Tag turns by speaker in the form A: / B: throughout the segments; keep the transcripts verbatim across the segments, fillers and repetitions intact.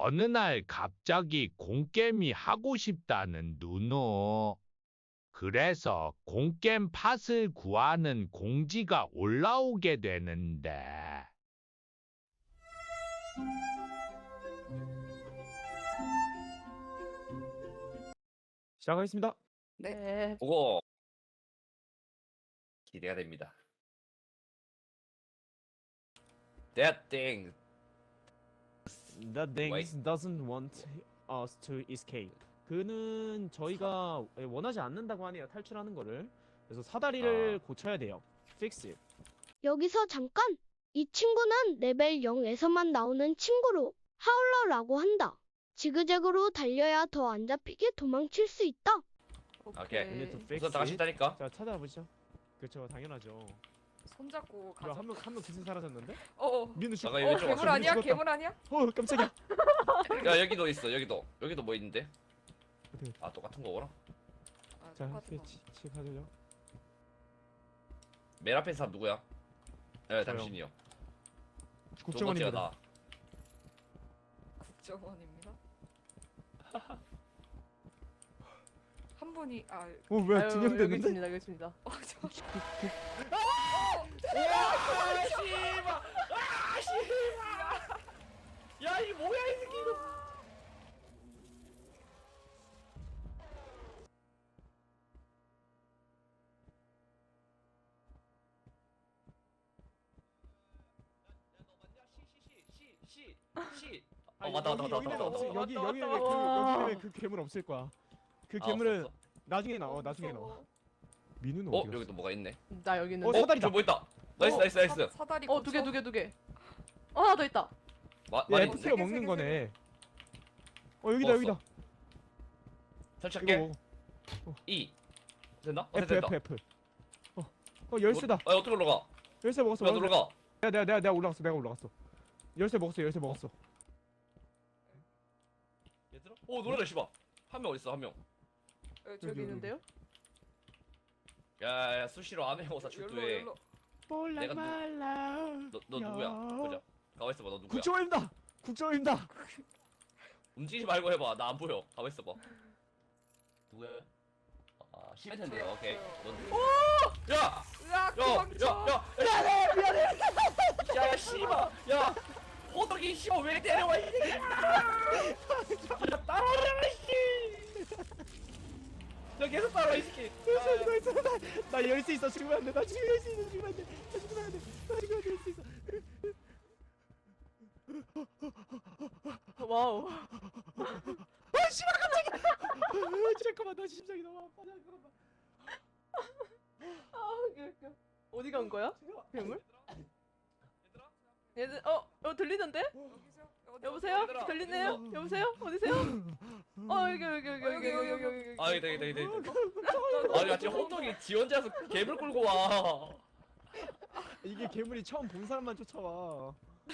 A: 어느 날 갑자기 공겜이 하고 싶다는 누누. 그래서 공겜 팟을 구하는 공지가 올라오게 되는데.
B: 시작하겠습니다.
C: 네.
D: 보고 기대가 됩니다. That thing.
B: That thing
D: Wait.
B: doesn't want us to escape. 그는 저희가 원하지 않는다고 하네요. 탈출하는 거를. 그래서 사다리를
D: 아.
B: 고쳐야 돼요. Fix it.
E: 여기서 잠깐! 이 친구는 레벨 영에서만 나오는 친구로 하울러라고 한다. 지그재그로 달려야 더 안 잡히게 도망칠 수 있다.
D: 오케이.
B: We need to fix
D: 우선 다 같이
B: it.
D: 있다니까.
B: 자, 찾아보시죠. 그렇죠, 당연하죠.
C: 손잡고 가자.
B: 뭐야, 한명 한 명 기승 사라졌는데?
C: 어.
B: 민우 죽.
D: 잠깐,
C: 어,
D: 이거 좀
C: 괴물
D: 왔어.
C: 아니야?
B: 죽었다.
C: 괴물 아니야?
B: 어, 깜짝이야.
D: 야 여기도 있어. 여기도 여기도 뭐 있는데?
B: 어디?
D: 아 똑같은 거구나.
C: 아,
B: 자,
C: 똑같은 거.
B: 치, 치 가져요.
D: 맨 앞에 사람 누구야? 네 당신이요. 두 번째가
B: 국정원입니다.
D: 나.
C: 국정원입니다. 한 분이 아,
B: 어, 왜
F: 아유,
B: 두명
F: 여기
B: 됐는데?
F: 있습니다. 여기 있습니다.
C: 어, 저
D: 와 씨발. 아 씨발. 야이 뭐야 이 새끼 이거. 시. 어
B: 아니,
D: 맞다 맞다
B: 여기,
D: 맞다
B: 여기는
D: 맞다
B: 없을-
D: 맞다.
B: 여기
F: 왔다,
B: 여기 왜
F: 왔다,
B: 그
F: 왔다.
B: 여기 왜그 괴물 없을 거야. 그
D: 아,
B: 괴물은
D: 없었어?
B: 나중에 나와. 나중에 나와. 민우는
D: 어
B: 어디 갔어?
D: 여기도 뭐가 있네.
F: 나 여기
B: 어,
F: 있는데.
B: 사다리다.
D: 어, 저뭐 있다. 나이스 나이스 나이스.
C: 사, 사다리
F: 어, 두 개, 두 개, 두 개. 어, 하나 더 있다.
D: 마,
B: 얘
D: 말이
B: 에프피가
C: 세 개,
B: 먹는
C: 세 개,
B: 거네. 어, 여기다
D: 먹었어.
B: 여기다. 이거
D: 설치할게.
B: 먹어.
D: E. 됐나? 어
B: F
D: 됐다.
B: F F. 어, 어 열쇠다.
D: 아 어떻게 올라가?
B: 열쇠 먹었어.
D: 왜
B: 먹었어.
D: 올라가?
B: 내가 내가 내가 내가 올라갔어. 내가 올라갔어. 열쇠 먹었어. 열쇠 먹었어.
D: 얘들아? 오 노래다 씨발. 한 명 어딨어 한 명.
C: 어,
B: 여기,
C: 저기
B: 여기.
F: 있는데요?
D: 야야 수시로 안 해오사
C: 열로
D: 출두해.
C: 열로.
B: 몰라
D: 내가 누-
B: 말라.
D: 너, 너 누구야? 보자. 가만 있어봐. 너 누구야?
B: 국정원입니다. 국정원입니다.
D: 움직이지 말고 해봐. 나 안 보여. 가만 있어봐. 누구야? 아 시멘트인데. 오케이. 넌 누구야? 야!
C: 으악,
D: 야!
C: 도망쳐.
D: 야! 야! 미안해! 미안해! 야! 야 씨발! 야! 호떡이 씨발 왜 때려와 이 새끼야! 야 따라오라 씨! 야 계속 따라와 이 새끼!
B: 열쇠 나 있어. 나, 나 열쇠 있어. 죽으면 안 돼. 나 지금 열쇠 있어. 죽으면 안 돼. 나 죽으면 안 돼. 나 지금 열쇠 있어.
F: 와우.
B: 아 씨발 깜짝이야. 아, 잠깐만 나 심장이 너무 아파. 잠깐만.
F: 아, 웃겨, 웃겨. 어디 간 거야? 괴물?
D: 얘들아?
F: 얘들, 어, 어, 들리는데?
C: 여기서 어디,
F: 여보세요?
D: 얘들아,
F: 들리네요? 여보세요? 어디세요? 어, 여기, 여기, 여기, 여기, 여기, 여기, 여기, 여기.
D: 아 여기다 여기다 여기다 여기다. 아니 야 지금 호떡이 지 혼자서 개불 끌고 와.
B: 이게 괴물이 처음 본 사람만 쫓아와.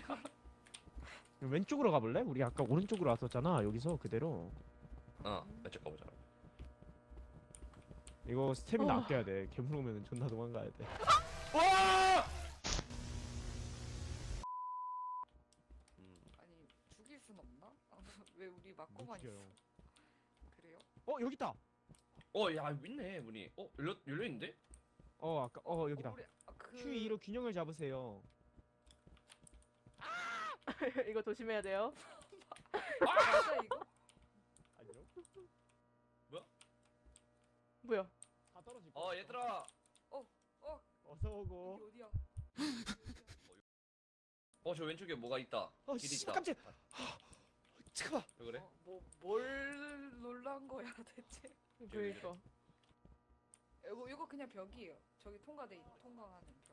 B: 왼쪽으로 가볼래? 우리 아까 오른쪽으로 왔었잖아. 여기서 그대로.
D: 어 왼쪽 가보자.
B: 이거 스태미나
F: 어.
B: 아껴야 돼. 괴물 오면 존나 도망가야 돼.
D: 와! 음.
C: 아니 죽일 순 없나? 아, 왜 우리 맞고만 있어?
B: 죽여요.
C: 그래요?
B: 어 여기 있다.
D: 어, 야, 있네, 문이. 어, 열려, 열려있는데?
B: 어 아까 어 여기다.
C: 어, 우리, 아, 그...
B: 큐 이로 균형을 잡으세요.
F: 이거 조심해야 돼요.
C: 맞아 이거?
B: 아니요.
F: 뭐야?
B: 다 떨어질
D: 어, 얘들아.
B: 어서 오고.
C: 여기 어디야?
D: 어, 저 왼쪽에 뭐가 있다.
B: 어
D: 길이
B: 씨
D: 있다.
B: 깜짝. 잠깐만.
D: 왜 그래?
C: 어, 뭐, 뭘 놀란 거야 대체?
F: 그러니까.
C: 이거, 이거 그냥 벽이에요. 저기 통과돼 있, 통과하는 벽.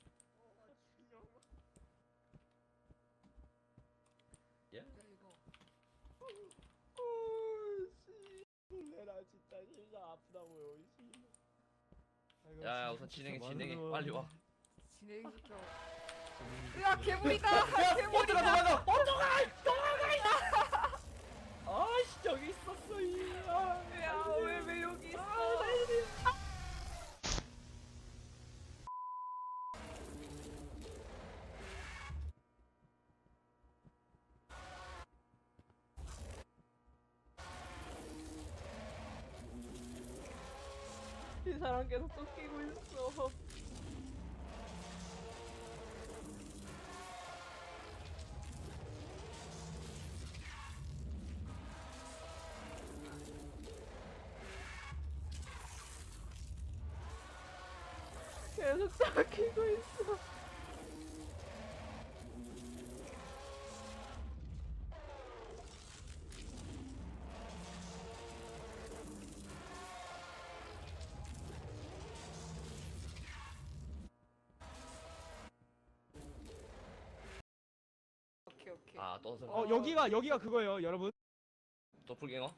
D: 예?
C: 야 이거.
B: 내가 진짜 심장 아프다고요.
D: 야, 야, 우선 진행해, 진행해. 빨리 와.
C: 진행시켜. 야 괴물이다!
D: 야,
C: 괴물이다!
D: 호떡아, 도망가! 호떡아! 도망가! 아씨, 저기 있었어, 이. 아,
C: 야왜 왜 여기 있어?
F: 사람 계속 쫓기고 있어. 계속 쫓기고 있어.
C: 오케이 오케이.
D: 아, 또 선-
B: 어 여기가 여기가 그거예요 여러분.
D: 도플갱어?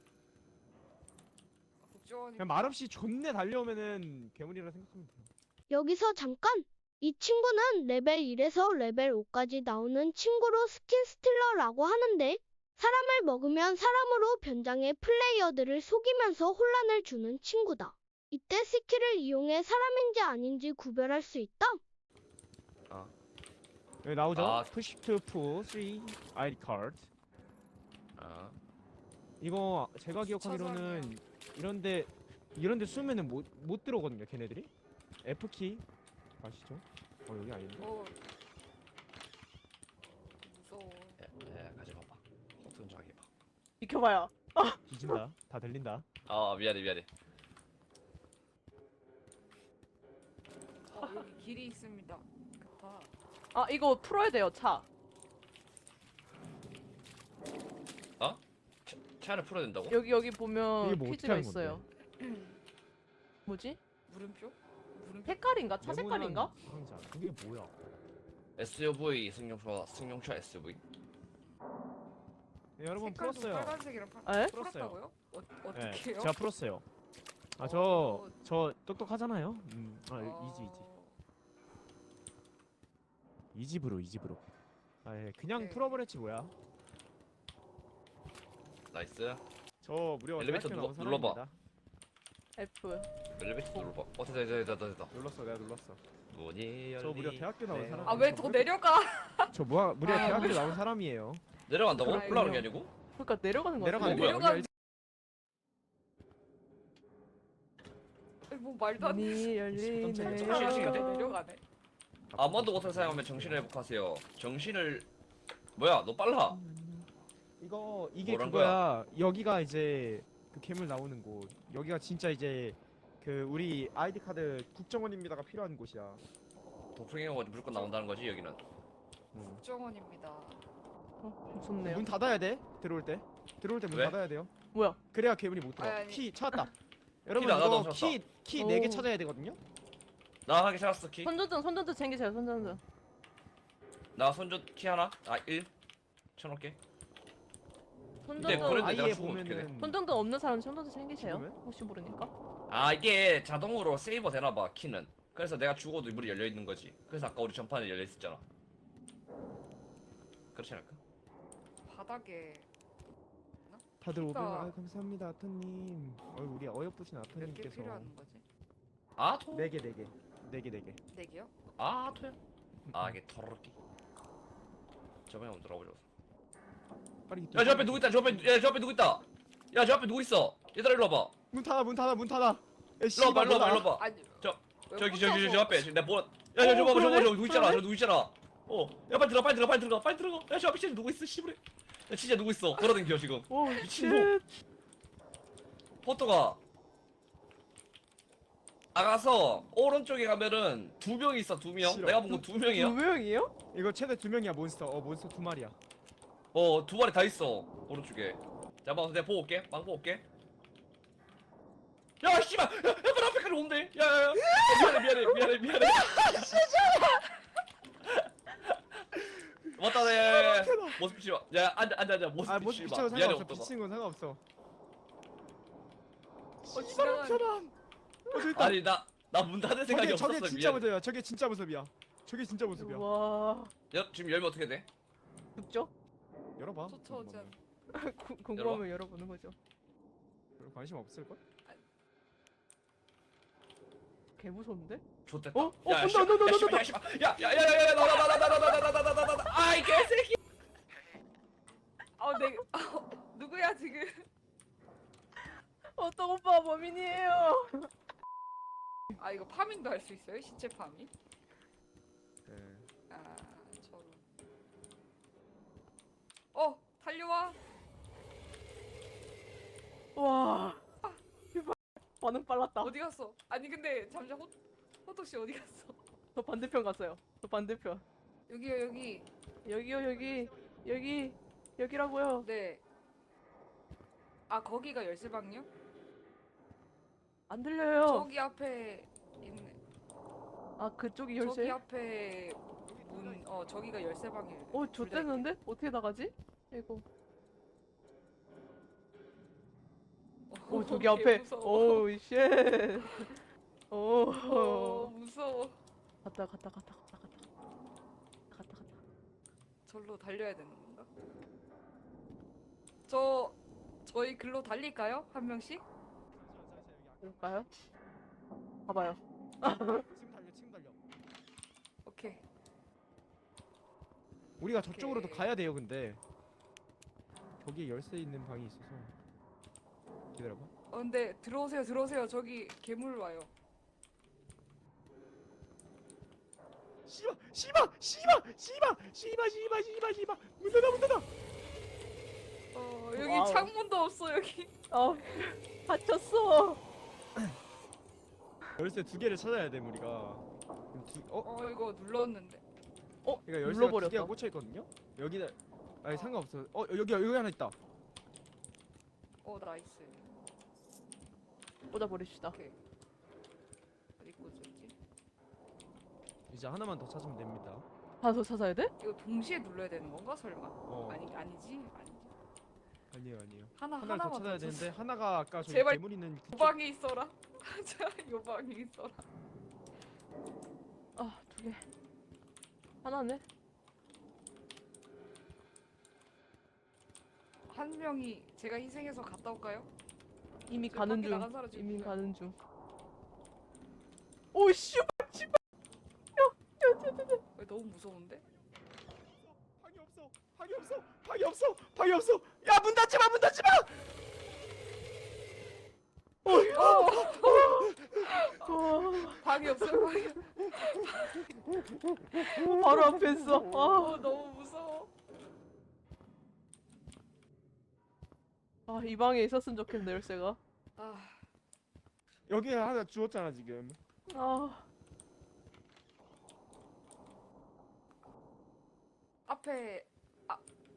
C: 국정원이
B: 그냥 말없이 존내 달려오면은 괴물이라 생각하면 돼요.
E: 여기서 잠깐! 이 친구는 레벨 일에서 레벨 오까지 나오는 친구로 스킨 스틸러라고 하는데 사람을 먹으면 사람으로 변장해 플레이어들을 속이면서 혼란을 주는 친구다. 이때 스킬을 이용해 사람인지 아닌지 구별할 수 있다.
B: 여기 나오죠?
D: 아.
B: Push to pull three 아이디 카드.
D: 아,
B: 이거 제가 기억하기로는 이런데 이런데 쏘면은 못, 못 들어오거든요 걔네들이. F키 아시죠? 어 여기 아닌데?
C: 어 무서워.
D: 야, 야, 가지 봐봐. 호튼 좀 하게 봐.
F: 비켜봐요.
B: 뒤진다. 다 들린다.
D: 아, 미안해, 미안해.
C: 어 여기 길이 있습니다. 급하.
F: 아 이거 풀어야 돼요 차.
D: 차, 차를 풀어야 된다고?
F: 여기 여기 보면
B: 이게 뭐 어떻게
F: 퀴즈가
B: 하는
F: 있어요. 뭐지?
C: 물음표? 물음표?
F: 색깔인가? 차 색깔인가?
B: 네모난 상자. 그게 뭐야?
D: 에스유브이 승용차, 승용차 에스유브이.
B: 네, 여러분
C: 색깔도
B: 풀었어요.
C: 빨간색이랑 파...
F: 에?
C: 풀었다고요? 어
B: 네,
C: 어떻게요?
B: 제가 풀었어요. 아
C: 어.
B: 저 저 똑똑하잖아요. 음, 아 이지 이지. 이 집으로 이 집으로. 아 예, 그냥
C: 네.
B: 풀어버렸지 뭐야.
D: 나이스.
B: 저 무려
D: 엘리베이터
B: 대학교
D: 눌러-
B: 나온
D: 눌러봐.
B: 사람입니다.
F: F.
D: 엘리베이터 눌러봐. 어, 됐다, 됐다, 됐다, 됐다.
B: 눌렀어, 내가 눌렀어.
D: 문이 열리.
B: 저 무려 대학교 나온 사람.
C: 아 왜 더 내려가?
B: 저 뭐야 무려
C: 아,
B: 대학교 나온 사람이에요.
D: 내려간다고?
C: 그렇군요.
D: 올라가는 게 아니고?
F: 그러니까 내려가는 거
B: 내려가는
F: 같은데?
B: 거야.
C: 내려가-
B: 여기
C: 아니, 뭐 말도 안 돼.
F: 문이 열리네.
B: 잠깐,
D: 잠깐, 잠깐, 잠깐.
C: 내려가네.
D: 아무도 못을 사용하면 정신을 회복하세요. 정신을 뭐야? 너 빨라.
B: 이거 이게
D: 뭐란
B: 그거야. 여기가 이제 그 괴물 나오는 곳. 여기가 진짜 이제 그 우리 아이디 카드 국정원입니다가 필요한 곳이야.
D: 도플갱어가 무조건 나온다는 거지 여기는.
B: 음.
C: 국정원입니다.
F: 어, 무섭네요.
B: 문 닫아야 돼. 들어올 때. 들어올 때 문
D: 왜?
B: 닫아야 돼요.
F: 뭐야?
B: 그래야 괴물이 못 들어.
C: 아니, 아니.
B: 키 찾았다. 여러분
D: 나가다
B: 이거
D: 찾았다.
B: 키 키 네 개
F: 오.
B: 찾아야 되거든요.
D: 나 하기 찾았어 키.
F: 손전등 손전등 챙기세요 손전등.
D: 나 손전 키 하나. 아 일. 쳐놓을게. 근데
F: 손전등
D: 그래도 내가
B: 아이에
D: 죽으면 어떻게 돼?
B: 보면은
F: 손전등 없는 사람 손전등 챙기세요.
B: 죽으면?
F: 혹시 모르니까.
D: 아 이게 자동으로 세이버 되나봐 키는. 그래서 내가 죽어도 문이 열려 있는 거지. 그래서 아까 우리 전판에 열려 있었잖아. 그렇지 않을까?
C: 바닥에
B: 다들 오백
C: 그러니까.
B: 아, 감사합니다 아토님. 어, 우리 어여쁘신
C: 몇 개
B: 아토님께서
C: 필요한 거지?
D: 아 토.
B: 네 개 네 개 네 개 네 개.
C: 네 개요?
D: 아 토야. 아 이게 터럭기. 저번에 한번 들어보자.
B: 빨리.
D: 야 저 앞에 누구 있다. 저 앞에 야저 앞에 누구 있다. 야 저 앞에 누구 있어. 얘들아 일로 와봐.
B: 문 닫아 문 닫아 문 닫아. 야,
D: 일로
B: 씨발,
D: 와봐 일로 와봐
B: 뭐다.
D: 일로 와봐.
C: 아니
D: 저-
C: 왜
D: 저기
C: 혼자서-
D: 저기 저 앞에 지금 내가 뭐. 야야 저거 봐봐 저거
F: 그러네?
D: 저거 누구 있잖아. 저 누구 있잖아. 어. 야 빨리 들어가 빨리 들어가 빨리 들어가 빨리 들어가. 야 저 앞에 진짜 누구 있어 씨부래. 야 진짜 누구 있어. 걸어다니겨 지금.
F: 오
D: 미친놈. 포토가 나가서 오른쪽에 가면은 두 명 있어 두 명.
B: 싫어.
D: 내가 본 건 두 명이야.
F: 두 명이요?
B: 이거 최대 두 명이야 몬스터. 어 몬스터 두 마리야.
D: 어 두 마리 다 있어 오른쪽에. 자, 봐 내가 보고 올게. 망 보고 올게. 야 씨발, 야, 야, 발 앞에까지 온대. 야야야. 야, 미안해 미안해 미안해 미안해. 맞다 네. 모습 비치 마. 야 앉아 앉아 앉아 모습
B: 아 모습
D: 비치
B: 비치고
D: 마. 미안해
B: 상관없어.
D: 없다.
B: 비치는 건 상관없어.
C: 어, 지나가는
B: 사람. 어 저기 있다.
D: 아니 나 나 문 닫을 생각이
B: 저게
D: 없었어.
B: 저게 진짜
D: 미안.
B: 모습이야. 저게 진짜 모습이야. 저게 진짜 모습이야.
F: 와
D: 야 지금 열면 어떻게 돼?
F: 죽죠?
B: 열어봐.
C: 쫓아오지
F: 구- 궁금하면 열어보는 거죠.
B: 별로 관심 없을 걸?
F: 개 무서운데?
D: 좋됐다.
F: 어? 어,
D: 야,
F: 온다,
D: 씨발,
F: 온다,
D: 야,
F: 온다,
D: 씨발, 야, 씨발. 야, 야, 야, 야, 야, 나와, 나와, 나와, 나와, 나와, 나와, 나와, 나와, 나와. 아이 개새끼.
C: 아, 내 아, 누구야 지금?
F: 어떤 오빠 범인이에요?
C: 아 이거 파밍도 할 수 있어요? 시체 파밍?
B: 네.
C: 아 저런. 어 달려와.
F: 와. 대박. 반응 빨랐다.
C: 어디 갔어? 아니 근데 잠시만 호 호떡 씨 어디 갔어?
F: 저 반대편 갔어요. 저 반대편.
C: 여기요 여기.
F: 여기요 여기 여기 여기라고요.
C: 네. 아 거기가 열쇠방이요?
F: 안 들려요.
C: 저기 앞에 있네.
F: 아 그쪽이
C: 저기
F: 열쇠?
C: 앞에 문. 어 저기가 열쇠방이에요.
F: 어
C: 둘다 있네.
F: 좋댔는데 어떻게 나가지? 이거. 오 저기
C: 개
F: 앞에.
C: 무서워.
F: 오 쉣. 오.
C: 어 무서워.
F: 갔다 갔다 갔다 갔다 갔다. 갔다 갔다.
C: 절로 달려야 되는 건가? 저 저희 글로 달릴까요? 한 명씩?
F: 그럴까요? 봐봐요.
B: 지금 달려 지금 달려.
C: 오케이.
B: 우리가 저쪽으로도
C: 오케이.
B: 가야 돼요 근데. 거기에 열쇠 있는 방이 있어서. 기다려봐.
C: 어 근데 들어오세요 들어오세요. 저기 괴물 와요.
B: 씨발 씨발 씨발 씨발 씨발 씨발 씨발 씨발 문 닫아 문 닫아.
C: 어 여기
F: 와우.
C: 창문도 없어 여기.
F: 아 갇혔어.
B: 열쇠 두 개를 찾아야 돼 우리가. 그럼 두, 어?
C: 어 이거 눌렀는데.
F: 어
B: 그러니까 열쇠가 두
F: 눌러버렸다.
B: 개가 꽂혀 있거든요. 여기다. 아니 상관없어. 어 여기 여기 하나 있다.
C: 어 나이스.
F: 꽂아버립시다.
C: 오케이. 어디 꽂았지?
B: 이제 하나만 더 찾으면 됩니다.
F: 하나 더 찾아야 돼?
C: 이거 동시에 눌러야 되는 건가 설마?
B: 어
C: 아니 아니지 아니지.
B: 아니에요 아니에요.
C: 하나
B: 하나를 더
C: 하나만
B: 찾아야
C: 더
B: 되는데
C: 찾아.
B: 하나가 아까 저기
C: 제발
B: 괴물 있는
C: 요
B: 그쪽.
C: 방에 있어라. 자, 요 방에 있어라.
F: 아 두 개. 하나네.
C: 한 명이 제가 희생해서 갔다 올까요?
F: 이미
C: 지금
F: 가는
C: 밖에
F: 중.
C: 나간 사람 지금
F: 이미
C: 누구야?
F: 가는 중. 오 씨발 씨발.
C: 왜 너무 무서운데?
B: 방이 없어. 방이 없어. 방이 없어. 방이 없어. 야 문 닫지 마. 문 닫지 마.
F: 와,
C: 방이 없어요 방이.
F: 바로 앞에 있어. 아.
C: 어 너무 무서워.
F: 아, 이 방에 있었으면 좋겠네, 열쇠가.
C: 아
B: 여기 하나 주웠잖아 지금.
F: 아,
C: 앞에 아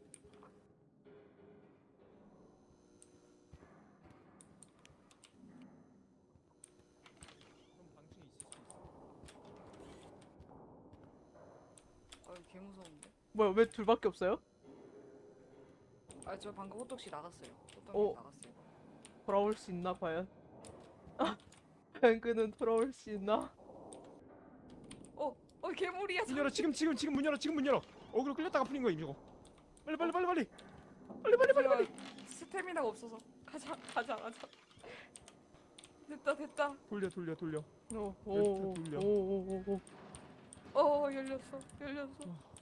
B: 그럼 방충이 있을 수 있어.
C: 어, 개 무서운데.
F: 뭐야, 왜 둘밖에 없어요?
C: 아 저 방금 호떡씨 나갔어요. 호떡이
F: 어.
C: 나갔어요.
F: 돌아올 수 있나, 과연? 아, 과연 그는 돌아올 수 있나?
C: 어, 어 괴물이야.
B: 문 열어 지금 지금 지금 문 열어 지금 문 열어. 어그로 끌렸다가 풀린 거야 이거. 빨리 빨리 빨리 빨리. 빨리 빨리 빨리 빨리.
C: 스태미나가 없어서 가자 가자 가자. 됐다 됐다.
B: 돌려 돌려 돌려.
F: 오,
B: 열쇠
F: 오,
B: 돌려.
F: 오, 오, 오, 오.
C: 어 열렸어 열렸어.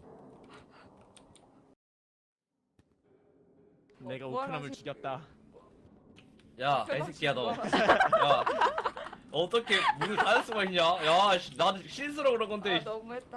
B: 내가
C: 뭐
B: 오크남을
C: 하나
B: 죽였다.
D: 야, 이 새끼야 너. 야, 어떻게 문을 닫을 수가 있냐? 야, 씨, 나도 실수로 그런 건데.
C: 아 너무했다.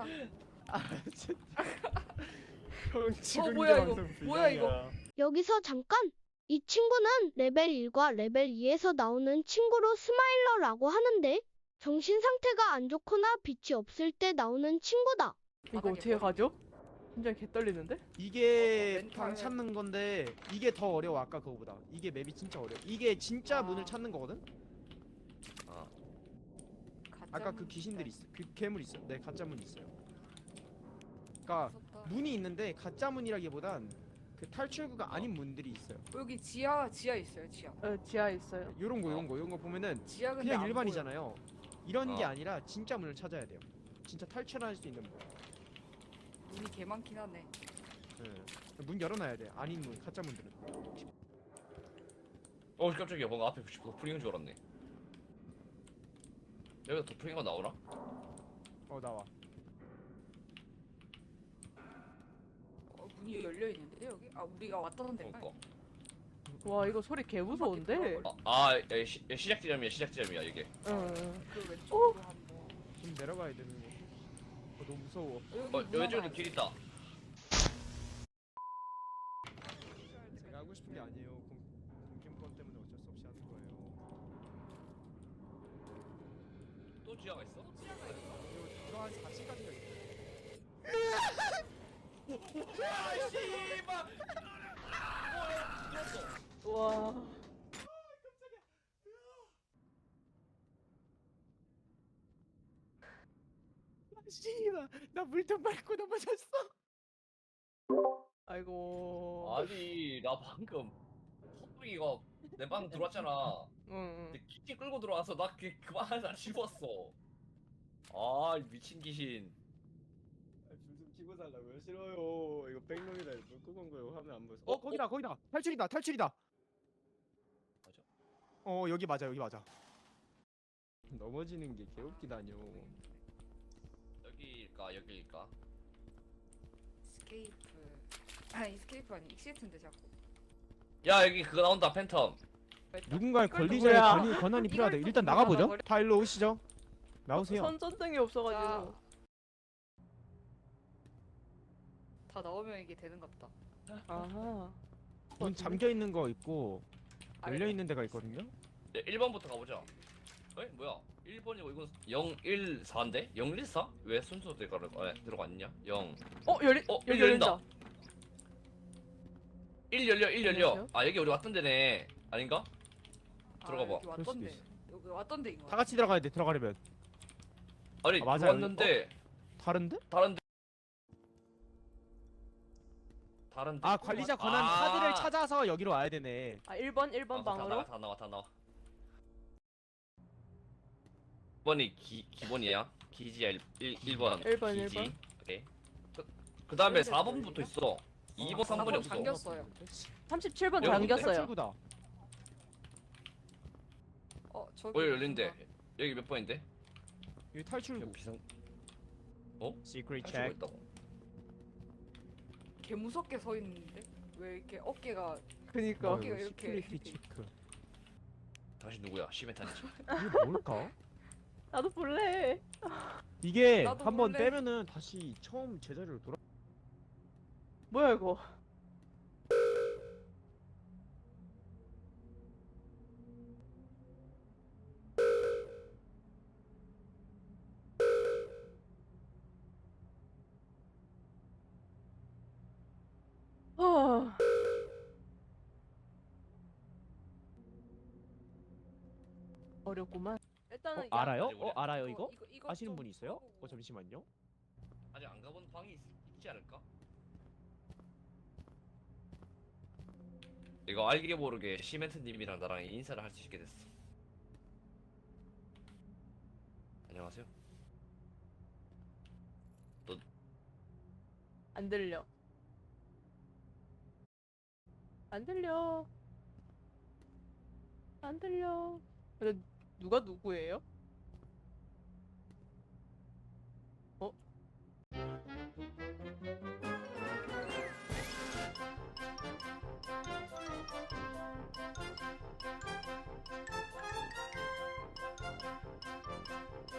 B: 형 지금
C: 뭐야, 이거? 뭐야, 이거?
E: 여기서 잠깐! 이 친구는 레벨 일과 레벨 이에서 나오는 친구로 스마일러라고 하는데 정신 상태가 안 좋거나 빛이 없을 때 나오는 친구다.
F: 이거
C: 바닥에
F: 어떻게
C: 머리.
F: 가죠? 굉장히 개 떨리는데?
B: 이게
C: 어, 멘탈.
B: 방 찾는 건데 이게 더 어려워 아까 그거보다. 이게 맵이 진짜 어려워. 이게 진짜
C: 아.
B: 문을 찾는 거거든. 아까 그
C: 가짜
B: 귀신들이
C: 문이다.
B: 있어. 그 괴물 있어. 네 가짜 문 있어요. 그러니까
C: 무섭다.
B: 문이 있는데 가짜 문이라기보단 그 탈출구가 아닌 문들이 있어요.
C: 여기 지하 지하 있어요 지하.
F: 어, 지하에 있어요.
B: 요런 거 요런 거 요런 거 보면은
C: 지하 근데
B: 그냥
C: 안
B: 일반이잖아요. 이런 게
D: 어.
B: 아니라 진짜 문을 찾아야 돼요. 진짜 탈출할 수 있는 문.
C: 보여. 문이 개 많긴 하네.
B: 네. 문 열어놔야 돼. 아닌 문, 가짜 문들은.
D: 어, 깜짝이야. 뭔가 앞에 도플링인 줄 알았네. 여기가 도플링가 나오나?
B: 어 나와.
C: 어, 문이 열려 있는데 여기? 아 우리가 왔던 데인가?
D: 그러니까.
F: 와 이거 소리 개 무서운데.
D: 아, 아 야, 시, 야, 시작 지점이야 시작 지점이야 이게.
F: 응.
C: 그 왼쪽으로 한번.
B: 좀 내려가야 되는 거. 어, 너무 무서워.
D: 어 왼쪽에도 길 있다.
B: 제가 하고 싶은 게 아니에요. 공, 공gem권 때문에 어쩔 수 없이 하는 거예요.
D: 또 지하가 있어?
B: 그리고 이거 한 사 층까지가 있어요.
D: 야 씨발.
F: 와.
B: 씨발, 나 물통 밟고 넘어졌어.
F: 아이고.
D: 아니 나 방금 헛둥이가 내 방 들어왔잖아.
F: 응.
D: 근데 키팅 끌고 들어와서 나 그, 그만 안 씹었어. 아 미친 귀신.
B: 불좀 켜고 살라고요? 싫어요. 이거 백놈이다. 물 끄고 온 거예요. 화면 안 보여서. 어, 거기다, 거기다. 탈출이다, 탈출이다.
D: 맞아?
B: 어, 여기 맞아, 여기 맞아. 넘어지는 게 개웃기다뇨.
D: 여기일까 여기일까?
C: 스케이프. 아니 스케이프 아니 익시트인데 자꾸.
D: 야 여기 그거 나온다 팬텀.
B: 누군가의
C: 이걸
B: 권리자의
F: 누구야?
B: 권위, 권한이
C: 이걸
B: 필요하다.
C: 또
B: 일단
C: 누가
B: 나가보죠.
C: 나가버려?
B: 다 일로 오시죠. 나오세요.
F: 선전등이 없어가지고.
C: 다 나오면 이게 되는갑다.
F: 아하.
B: 문 잠겨 있는 거 있고 열려 있는 데가 있거든요.
D: 야, 일 번부터 가보자. 에? 뭐야? 일 번이고 이건 영 일 사인데? 영 일 사? 왜 순서 들어가 아, 들어갔냐? 영.
F: 어 열리.
D: 어,
F: 여기
D: 여기 열린다.
F: 열린다.
D: 일 열려 일 열려.
F: 안녕하세요?
D: 아 여기 우리 왔던 데네. 아닌가? 들어가
C: 아,
D: 봐.
C: 여기
B: 그럴 수도
C: 왔던데.
B: 있어.
C: 여기 왔던데인 거.
B: 다 같이 들어가야 돼. 들어가려면
D: 아니
B: 아, 맞아요.
D: 들어왔는데
B: 다른데?
D: 다른데 다른데.
B: 아, 관리자 권한
D: 아.
B: 카드를 찾아서 여기로 와야 되네.
F: 아 일 번 일 번
D: 아, 다
F: 방으로.
D: 나와 다 나와 다 나와. 일 번이 기 기본이야. 기지야 일 일 번.
F: 일 번, 일
D: 기지.
F: 번.
D: 오케이. 그, 그 다음에 사 번부터 있어. 이 번 삼 번이 없어.
C: 잠겼어요.
F: 삼십칠 번
D: 여기
F: 잠겼어요.
B: 탈출구다.
C: 어 저기.
D: 어 여기 열린대. 여기 몇 번인데?
B: 여기 탈출구.
D: 비상
B: 시크릿
D: 탈출구가
B: 체크.
D: 있다고.
C: 개 무섭게 서 있는데 왜 이렇게 어깨가
F: 그니까.
C: 어, 이거 이렇게.
B: 시크릿 체크.
D: 당신 누구야? 시메탄이지.
B: 이게 뭘까?
F: 나도 볼래.
B: 이게
C: 나도
B: 한번
C: 몰래.
B: 빼면은 다시 처음 제자리로 돌아.
F: 뭐야 이거. 아. 어렵구만. 일단은
B: 어, 알아요?
D: 아니, 우리-
B: 어, 알아요
C: 어,
B: 이거?
C: 이거
B: 아시는
C: 좀
B: 분 있어요?
C: 해보고.
B: 어, 잠시만요.
D: 아직 안 가본 방이 있, 있지 않을까? 이거 알게 모르게 시멘트님이랑 나랑 인사를 할 수 있게 됐어. 안녕하세요.
F: 안 들려. 안 들려. 안 들려. 근데 누가 누구예요? 어?